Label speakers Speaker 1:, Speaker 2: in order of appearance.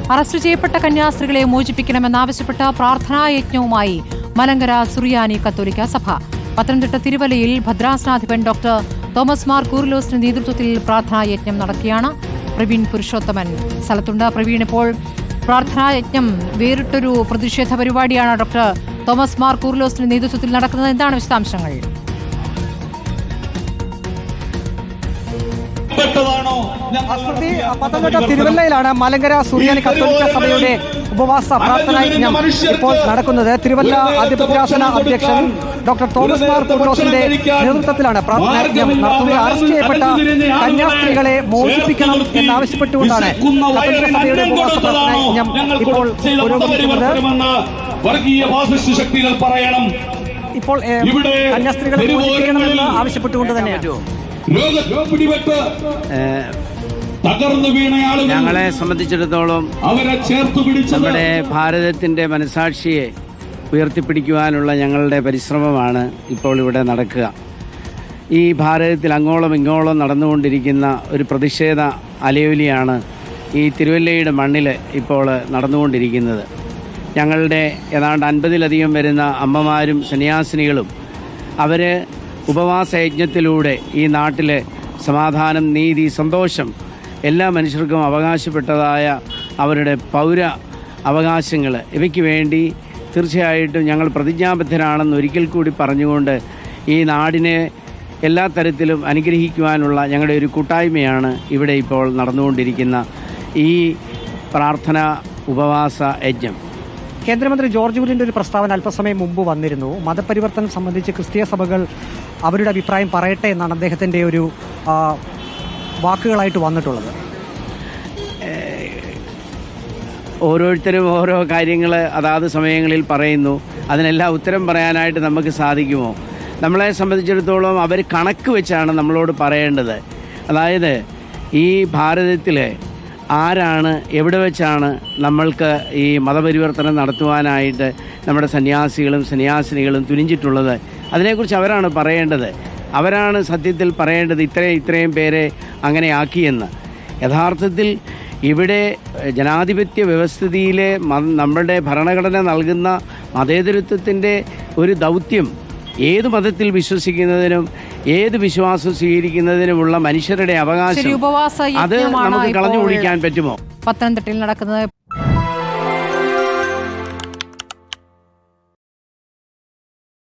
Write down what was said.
Speaker 1: Arrest ചെയ്യപ്പെട്ട കന്യാസ്ത്രീകളെ മോചിപ്പിക്കണമെന്നാവശ്യപ്പെട്ട പ്രാർത്ഥനായജ്ഞവുമായി മലങ്കര സുറിയാനി കത്തോലിക്ക സഭ. പത്തനംതിട്ട തിരുവല്ലയിൽ ഭദ്രാസനാധിപൻ ഡോക്ടർ തോമസ് മാർ കൂറിലോസിന്റെ നേതൃത്വത്തിൽ പ്രാർത്ഥനായജ്ഞം നടക്കുകയാണ്. പ്രവീൺ പുരുഷോത്തമൻ സ്ഥലത്തുണ്ട്. പ്രവീൺ, ഇപ്പോൾ പ്രാർത്ഥനായജ്ഞം വേറിട്ടൊരു പ്രതിഷേധ പരിപാടിയാണ് ഡോക്ടർ തോമസ് മാർ കൂറിലോസിന്റെ നേതൃത്വത്തിൽ നടക്കുന്നത്. എന്താണ് വിശദാംശങ്ങൾ?
Speaker 2: പത്തനംതിട്ട തിരുവല്ലയിലാണ് മലങ്കര സുറിയാനി കത്തോലിക്ക സഭയുടെ ഉപവാസ പ്രാർത്ഥനായജ്ഞം ഇപ്പോൾ നടക്കുന്നത്. തിരുവല്ല അതിഭദ്രാസന അധ്യക്ഷൻ ഡോക്ടർ തോമസ് മാർ കൂറിലോസിന്റെ നേതൃത്വത്തിലാണ് പ്രാർത്ഥനായജ്ഞം നടത്തുന്നത്. അറസ്റ്റ് ചെയ്യപ്പെട്ട കന്യാസ്ത്രീകളെ മോചിപ്പിക്കണം എന്നാവശ്യപ്പെട്ടുകൊണ്ടാണ് കത്തോലിക്ക സഭയുടെ ഉപവാസ പ്രാർത്ഥനായജ്ഞം ഇപ്പോൾ പുരോഗമിക്കുന്നത്. ഇപ്പോൾ കന്യാസ്ത്രീകളെ മോചിപ്പിക്കണമെന്ന് ആവശ്യപ്പെട്ടുകൊണ്ട് തന്നെയാണ്
Speaker 3: ഞങ്ങളെ സംബന്ധിച്ചിടത്തോളം നമ്മുടെ ഭാരതത്തിന്റെ മനസാക്ഷിയെ ഉയർത്തിപ്പിടിക്കുവാനുള്ള ഞങ്ങളുടെ പരിശ്രമമാണ് ഇപ്പോൾ ഇവിടെ നടക്കുക. ഈ ഭാരതത്തിൽ അങ്ങോളം ഇങ്ങോളം നടന്നുകൊണ്ടിരിക്കുന്ന ഒരു പ്രതിഷേധ അലയൊലിയാണ് ഈ തിരുവല്ലയുടെ മണ്ണിൽ ഇപ്പോൾ നടന്നുകൊണ്ടിരിക്കുന്നത്. ഞങ്ങളുടെ ഏതാണ്ട് 50-ലധികം വരുന്ന അമ്മമാരും സന്യാസിനികളും അവർ ഉപവാസ യജ്ഞത്തിലൂടെ ഈ നാട്ടിലെ സമാധാനം, നീതി, സന്തോഷം എല്ലാ മനുഷ്യർക്കും അവകാശപ്പെട്ടതായ അവരുടെ പൗര അവകാശങ്ങൾ ഇവയ്ക്ക് വേണ്ടി തീർച്ചയായിട്ടും ഞങ്ങൾ പ്രതിജ്ഞാബദ്ധരാണെന്ന് ഒരിക്കൽ കൂടി പറഞ്ഞുകൊണ്ട് ഈ നാടിനെ എല്ലാ തരത്തിലും അനുഗ്രഹിക്കുവാനുള്ള ഞങ്ങളുടെ ഒരു കൂട്ടായ്മയാണ് ഇവിടെ ഇപ്പോൾ നടന്നുകൊണ്ടിരിക്കുന്ന ഈ പ്രാർത്ഥന ഉപവാസ യജ്ഞം.
Speaker 2: കേന്ദ്രമന്ത്രി ജോർജ് കുര്യൻ്റെ ഒരു പ്രസ്താവന അല്പസമയം മുമ്പ് വന്നിരുന്നു. മതപരിവർത്തനം സംബന്ധിച്ച് ക്രിസ്തീയ സഭകൾ അവരുടെ അഭിപ്രായം പറയട്ടെ എന്നാണ് അദ്ദേഹത്തിൻ്റെ ഒരു വാക്കുകളായിട്ട് വന്നിട്ടുള്ളത്.
Speaker 3: ഓരോരുത്തരും ഓരോ കാര്യങ്ങൾ അതാത് സമയങ്ങളിൽ പറയുന്നു. അതിനെല്ലാം ഉത്തരം പറയാനായിട്ട് നമുക്ക് സാധിക്കുമോ? നമ്മളെ സംബന്ധിച്ചിടത്തോളം അവർ കണക്ക് വെച്ചാണ് നമ്മളോട് പറയേണ്ടത്. അതായത് ഈ ഭാരതത്തിൽ ആരാണ്, എവിടെ വെച്ചാണ് നമ്മൾക്ക് ഈ മതപരിവർത്തനം നടത്തുവാനായിട്ട് നമ്മുടെ സന്യാസികളും സന്യാസിനികളും തുനിഞ്ഞിട്ടുള്ളത്? അതിനെക്കുറിച്ച് അവരാണ് പറയേണ്ടത്. അവരാണ് സത്യത്തിൽ പറയേണ്ടത് ഇത്രയും പേരെ അങ്ങനെ ആക്കിയെന്ന്. യഥാർത്ഥത്തിൽ ഇവിടെ ജനാധിപത്യ വ്യവസ്ഥിതിയിലെ നമ്മുടെ ഭരണഘടന നൽകുന്ന മതേതരത്വത്തിൻ്റെ ഒരു ദൗത്യം ഏത് മതത്തിൽ വിശ്വസിക്കുന്നതിനും ഏത് വിശ്വാസം സ്വീകരിക്കുന്നതിനുമുള്ള മനുഷ്യരുടെ അവകാശം അത് നമുക്ക് കളഞ്ഞു കുടിക്കാൻ പറ്റുമോ?
Speaker 1: പത്തനംതിട്ടയിൽ നടക്കുന്നത്